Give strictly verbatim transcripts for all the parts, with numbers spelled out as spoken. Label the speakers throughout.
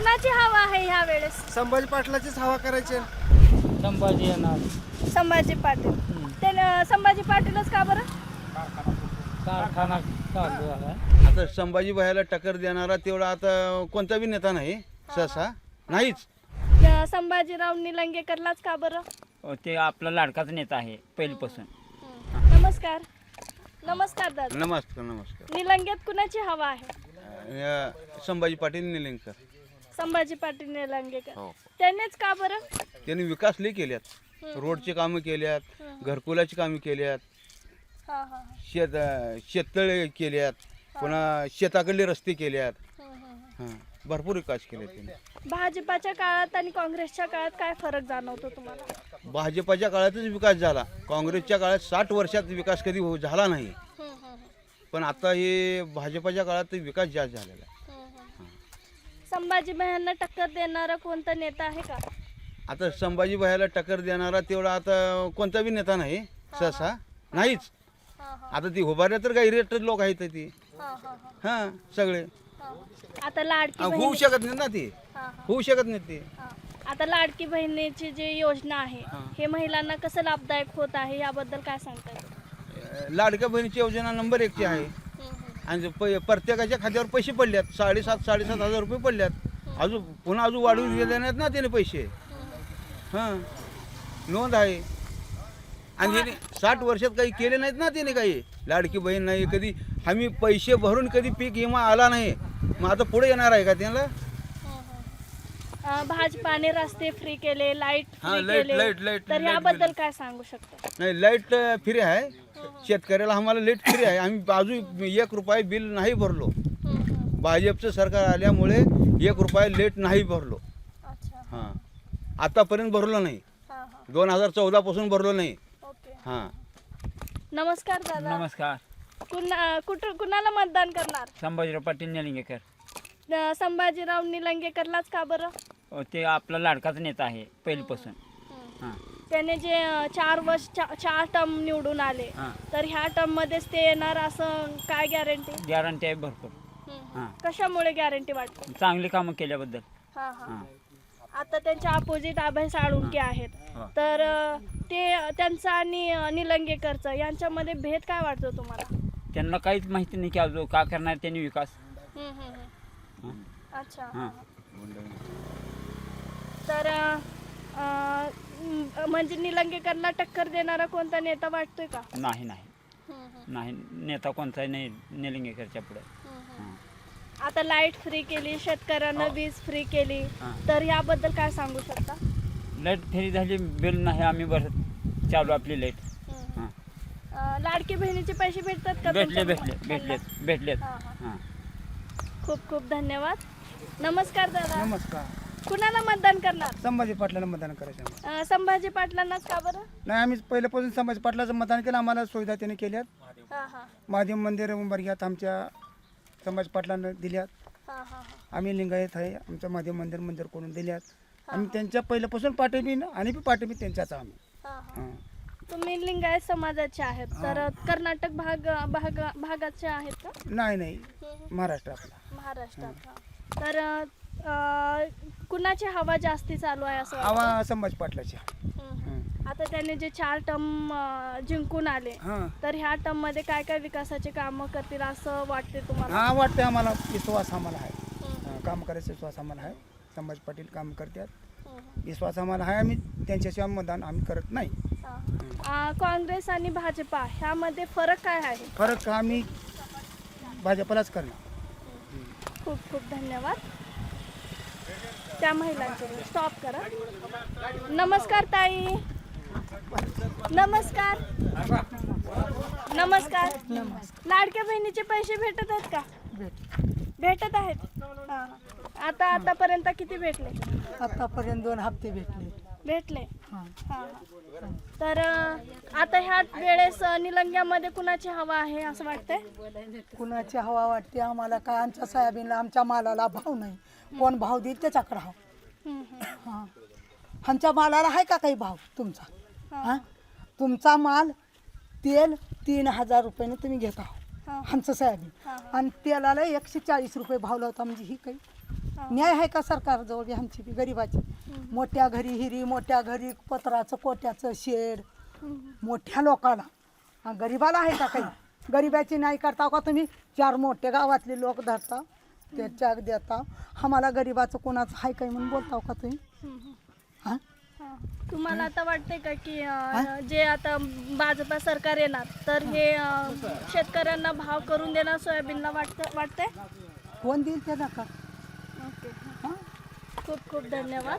Speaker 1: कुणाची हवा आहे ह्या वेळेस?
Speaker 2: संभाजी पाटलाचीच हवा करायची.
Speaker 3: संभाजी येणार.
Speaker 1: संभाजी पाटील. ते न- संभाजी पाटीलच का बरं?
Speaker 3: कारखाना चालू झाला.
Speaker 4: आता संभाजी भाईला टक्कर देणारा तेवढा आता कोणता बी नेता नाही सहसा नाहीच.
Speaker 1: न- संभाजीराव निलंगेकरलाच का बरं?
Speaker 3: ते आपला लाडकाच नेता आहे पहिलीपासून.
Speaker 1: नमस्कार. नमस्कार दादा.
Speaker 4: नमस्कार नमस्कार.
Speaker 1: निलंगेत कुणाची हवा आहे?
Speaker 4: अं, संभाजी पाटील निलंगेकर.
Speaker 1: संभाजी पाटील निलंगेकर.
Speaker 4: हो.
Speaker 1: त्यांनीच का बरं?
Speaker 4: त्यांनी विकास लई केल्यात. रोडची कामं केल्यात, घरकुलाची कामं केल्यात,
Speaker 1: हा हा हा.
Speaker 4: शेत अं, शेततळे केल्यात, पुन्हा शेताकडले रस्ते केल्यात. हां भरपूर विकास केले त्यांनी.
Speaker 1: भाजपाच्या काळात आणि काँग्रेसच्या काळात काय फरक जाणवतो तुम्हाला?
Speaker 4: भाजपाच्या काळातच विकास झाला. काँग्रेसच्या काळात साठ वर्षात विकास कधी हो झाला नाही. पण आता हे भाजपाच्या काळात विकास जास्त झालेला आहे.
Speaker 1: संभाजी भाईंना टक्कर देणारा कोणता नेता आहे का?
Speaker 4: आता संभाजी भाईला टक्कर देणारा तेवढा आता कोणता बी नेता नाही सहसा नाहीच. आता ती उभारल्या तर काही रेट लोक आहेत ती. हां सगळे
Speaker 1: आता लाडकी
Speaker 4: होऊ
Speaker 1: बहीण
Speaker 4: शकत नाही ना ती. होऊ शकत नाही ती.
Speaker 1: आता लाडकी बहिणीची जी योजना आहे हे महिलांना कसं लाभदायक होत आहे याबद्दल काय सांगता येईल?
Speaker 4: लाडक्या बहिणीची योजना नंबर एकची आहे. आणि प- प्रत्येकाच्या खात्यावर पैसे पडल्यात. साडेसात साडेसात हजार रुपये पडल्यात. अजून पुन्हा अजून वाढवून दिले नाहीत ना त्याने पैसे. हां नोंद आहे. आणि याने साठ वर्षात काही केले नाहीत ना त्याने काही. लाडकी बहीण नाही कधी आम्ही पैसे भरून कधी पीक विमा आला नाही. मग आता पुढे येणार आहे का त्यांना?
Speaker 1: अं, भाजपाने रस्ते फ्री केले, लाईट
Speaker 4: हा,
Speaker 1: फ्री
Speaker 4: लाईट-
Speaker 1: केले,
Speaker 4: लाईट- लाईट-
Speaker 1: तर
Speaker 4: लाईट
Speaker 1: याबद्दल
Speaker 4: बिल.
Speaker 1: काय सांगू शकता?
Speaker 4: नाही लाईट फ्री आहे. शेतकऱ्याला आम्हाला लाईट फ्री आहे. आम्ही अजून एक रुपया बिल नाही भरलो. भाजपचं सरकार आल्यामुळे एक रुपया लेट नाही भरलो.
Speaker 1: अच्छा.
Speaker 4: हां आतापर्यंत भरलो नाही.
Speaker 1: हा, हा.
Speaker 4: दोन हजार चौदा पासून भरलो नाही.
Speaker 1: ओके.
Speaker 4: हां
Speaker 1: नमस्कार दादा.
Speaker 3: नमस्कार.
Speaker 1: कुणा कुठं कुणाला मतदान करणार?
Speaker 3: संभाजीराव पाटील निलंगेकर.
Speaker 1: अं, संभाजीराव निलंगेकरलाच का बरं?
Speaker 3: ते आपला लाडकाच नेता आहे पहिलीपासून. हां
Speaker 1: त्याने जे अं, चार वर्ष चा- चार टर्म निवडून आले
Speaker 3: हां
Speaker 1: तर ह्या टर्म मध्येच ते येणार असं काय गॅरंटी?
Speaker 3: गॅरंटी आहे भरपूर. हां
Speaker 1: कशामुळे गॅरंटी वाटते?
Speaker 3: चांगली कामं केल्याबद्दल.
Speaker 1: हा हा.
Speaker 3: हां
Speaker 1: आता त्यांच्या अपोजिट अभय साळुंके आहेत
Speaker 3: हा.
Speaker 1: तर अं, ते त्यांचं आणि अं, निलंगेकरचं यांच्यामध्ये भेद काय वाटतो तुम्हाला?
Speaker 3: त्यांना काहीच माहिती नाही की अजून का करणार त्यांनी विकास.
Speaker 1: हम्म, हम्म, हम्म.
Speaker 3: हां
Speaker 1: अच्छा.
Speaker 3: हां
Speaker 1: तर अं, अं, म- म्हणजे निलंगेकरला टक्कर देणारा कोणता नेता वाटतोय का?
Speaker 3: नाही नाही नाही नेता कोणताही नाही निलंगेकरच्या पुढे. हां
Speaker 1: आता लाईट फ्री केली, शेतकऱ्यांना वीज फ्री केली,
Speaker 3: हां.
Speaker 1: तर याबद्दल काय सांगू शकता?
Speaker 3: लाईट फ्री झाली बिल नाही आम्ही भरत चालू आपली लाईट. हां
Speaker 1: अं, लाडकी बहिणीचे पैसे भेटतात का
Speaker 3: भेटले
Speaker 1: तुमच्या
Speaker 3: भेटले
Speaker 1: घरात?
Speaker 3: भेटलेत भेटलेत.
Speaker 1: हां, हां.
Speaker 3: हां
Speaker 1: खूप खूप धन्यवाद. नमस्कार दादा.
Speaker 2: नमस्कार.
Speaker 1: कुणाला मतदान करणार?
Speaker 2: संभाजी पाटलाला मतदान करायचं आम्हाला.
Speaker 1: अं, संभाजी पाटलांनाच का बरं?
Speaker 2: नाही आम्ही पहिल्यापासून संभाजी पाटलाचं मतदान केलं. आम्हाला सुविधा त्यांनी केल्यात.
Speaker 1: हां हां
Speaker 2: महादेव मंदिर उंबरग्यात आमच्या संभाजी पाटलांना दिल्यात.
Speaker 1: हां हां हां.
Speaker 2: आम्ही लिंगायत आहे. आमचं महादेव मंदिर मंदिर करून दिल्यात. आम्ही त्यांच्या पहिल्यापासून पाठिंबी आणि बी पाठिंबी त्यांच्याच आम्ही.
Speaker 1: हां हां.
Speaker 2: हां.
Speaker 1: तुम्ही लिंगायत समाजाचे आहेत तर कर्नाटक भाग भाग भागाचे आहेत का?
Speaker 2: नाही नाही महाराष्ट्र आपला.
Speaker 1: महाराष्ट्रात. हां. तर अं, कुणाची हवा जास्ती चालू आहे असं वाटतं?
Speaker 2: आवा संभाजी पाटलाची.
Speaker 1: हम्म, हम्म. आता त्याने जे चार टर्म जिंकून आले
Speaker 2: हां
Speaker 1: तर ह्या टर्म मध्ये काय काय विकासाचे कामं करतील असं वाटते तुम्हाला?
Speaker 2: हां वाटतं आम्हाला. विश्वास आम्हाला आहे.
Speaker 1: हम्म,
Speaker 2: हां, काम करायचा विश्वास आम्हाला आहे. संभाजी पाटील काम करतात.
Speaker 1: हम्म.
Speaker 2: विश्वास आम्हाला आहे. आम्ही त्यांच्याशिवाय मतदान आम्ही करत नाही.
Speaker 1: हां. अं, काँग्रेस आणि भाजपा ह्यामध्ये फरक काय आहे?
Speaker 2: फरक आम्ही भाजपलाच करणार.
Speaker 1: खूप खूप धन्यवाद. त्या महिलांचे स्टॉप करा. नमस्कार ताई. नमस्कार. नमस्कार. लाडक्या बहिणीचे पैसे भेटत आहेत का? भेटत आहेत. हां. आता आतापर्यंत किती भेटले?
Speaker 5: आतापर्यंत दोन हप्ते भेटले.
Speaker 1: भेटले.
Speaker 5: हां.
Speaker 1: हां. तर अं, आता ह्या वेळेस अं, निलंग्यामध्ये कुणाची हवा आहे असं वाटतंय?
Speaker 5: कुणाची हवा वाटते आम्हाला काय? आमच्या सोयाबीनला आमच्या मालाला भाव नाही. कोण भाव देईल त्याच्याकडे हाव.
Speaker 1: हम्म, हम्म.
Speaker 5: हां आमच्या मालाला आहे का काही भाव तुमचा? हां तुमचा माल तेल तीन हजार रुपयाने तुम्ही घेत आहो
Speaker 1: हां.
Speaker 5: आमचं सोयाबीन.
Speaker 1: हां.
Speaker 5: आणि तेलाला एकशे चाळीस रुपये भाव लावता म्हणजे ही काही न्याय आहे का सरकारजवळ बी आमची बी गरिबाची? मोठ्या घरी हिरी, मोठ्या घरी पत्राचं कोट्याचं शेड, मोठ्या लोकाला, हा, गरिबाला आहे का काही? गरिबाची नाही करता का तुम्ही? चार मोठे गावातले लोक धरता, ते चॅक देता, आम्हाला गरिबाचं कोणाचं आहे काही म्हणून बोलताव का तुम्ही? हां
Speaker 1: हा. तुम्हाला आता वाटतंय का की अं, जे आता भाजपा सरकार येणार तर हे अं, शेतकऱ्यांना भाव करून देणार सोयाबीनला वाटतं वाटतंय?
Speaker 5: कोण देईल ते नका?
Speaker 1: ओके.
Speaker 5: हां
Speaker 1: खूप खूप धन्यवाद.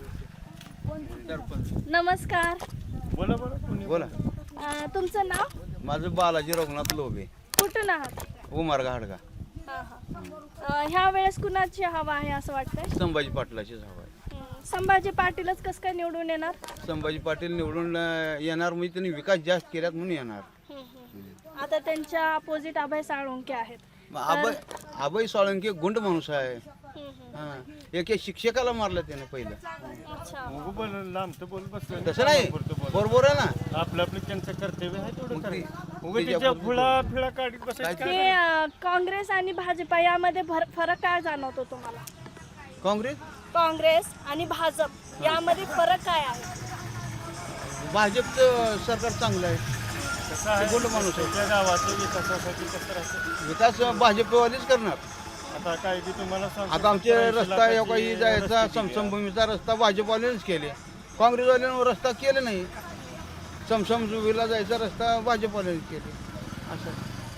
Speaker 1: नमस्कार.
Speaker 4: बोला.
Speaker 1: अं, तुमचं नाव?
Speaker 4: माझं बालाजी रघुनाथ लोबे,
Speaker 1: कुठून आहात?
Speaker 4: उमार घाडगा.
Speaker 1: हा, हा. अं, ह्या वेळेस कुणाची हवा आहे असं वाटतंय?
Speaker 4: संभाजी पाटलाचीच हवा आहे.
Speaker 1: हं. संभाजी पाटीलच कसं काय निवडून येणार?
Speaker 4: संभाजी पाटील निवडून अं, येणार म्हणजे त्यांनी विकास जास्त केल्यात म्हणून येणार.
Speaker 1: हं, हं. आता त्यांच्या अपोजिट अभय साळुंके आहेत.
Speaker 4: मग अभय अभय साळुंके गुंड माणूस आहे.
Speaker 1: हं, हं.
Speaker 4: हा. एक एक शिक्षकाला मारलं त्याने पहिलं.
Speaker 1: अच्छा.
Speaker 4: तसं नाही, बरोबर आहे ना.
Speaker 6: आपलं आपलं त्यांचं कर्तव्य आहे तेवढं
Speaker 4: मग ते-
Speaker 6: करायचं. उगाच
Speaker 4: त्याच्या
Speaker 6: त्याच्या
Speaker 4: पुढे-
Speaker 6: फुला फिळा काढीत बसायचं
Speaker 1: ते अं, काँग्रेस आणि भाजपा यामध्ये भर- फरक काय जाणवतो तुम्हाला?
Speaker 4: काँग्रेस
Speaker 1: काँग्रेस आणि भाजप यामध्ये फरक काय आहे?
Speaker 4: भाजपचं सरकार चांगलं आहे.
Speaker 6: कसं आहे,
Speaker 4: ते गुंड माणूस आहे.
Speaker 6: त्या गावाच्या विकासासाठी कसं राहतं.
Speaker 4: विकास भाजपवालेच करणार.
Speaker 6: आता काय ते तुम्हाला सांगतो,
Speaker 4: आता आमचे
Speaker 6: त्र्याऐंशी
Speaker 4: रस्ता या
Speaker 6: लाखाची
Speaker 4: काही जायचा
Speaker 6: रस्ते दिली.
Speaker 4: समसमभूमीचा रस्ता भाजपवाल्यानेच केले. काँग्रेसवाल्यानं रस्ता केले नाही. समसमभूमीला जायचा रस्ता भाजपवाल्यानेच केले. असं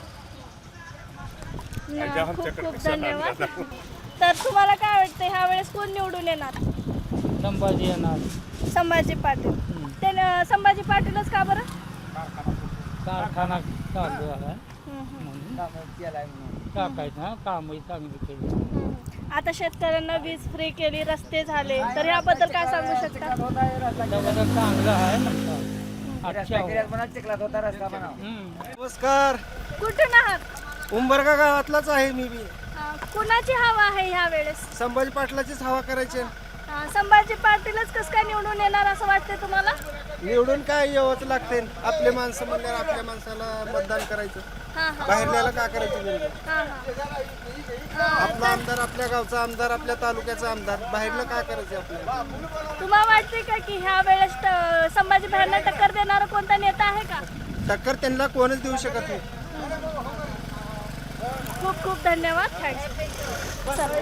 Speaker 1: न- खूप खूप धन्यवाद. तर तुम्हाला काय वाटतं ह्या वेळेस कोण निवडून येणार?
Speaker 3: संभाजी येणार.
Speaker 1: संभाजी पाटील. ते न- संभाजी पाटीलच का बरं?
Speaker 3: कारखाना चालू आहे
Speaker 1: हं, हं.
Speaker 3: टाकायचं, कामही चांगली केली.
Speaker 1: हं. आता शेतकऱ्यांना वीज फ्री केली, रस्ते झाले, तर याबद्दल काय सांगू शकता?
Speaker 3: त्याबद्दल चांगलं आहे ना. अच्छा.
Speaker 7: नमस्कार.
Speaker 1: कुठून आहात?
Speaker 7: उंबरगा गावातलाच आहे मी बी.
Speaker 1: अं, कुणाची हवा आहे ह्या वेळेस?
Speaker 7: संभाजी पाटलाचीच हवा करायची.
Speaker 1: अं, संभाजी पाटीलच कसं काय निवडून येणार असं वाटतंय तुम्हाला?
Speaker 7: निवडून काय यावंच लागते. आपले माणसं म्हणल्यावर आपल्या माणसाला मतदान करायचं.
Speaker 1: हा हा
Speaker 7: बाहेरल्याला का करायचं निवडून?
Speaker 1: हा हा.
Speaker 7: आपला आमदार आपल्या गावचा आमदार, आपल्या तालुक्याचा आमदार, बाहेरला का करायचं आपल्याला?
Speaker 1: तुम्हाला वाटते का की ह्या वेळेस त- संभाजी भाईंना टक्कर देणारा कोणता नेता आहे का?
Speaker 7: टक्कर त्यांना कोणच देऊ शकत नाही.
Speaker 1: खूप खूप धन्यवाद. थँक्स.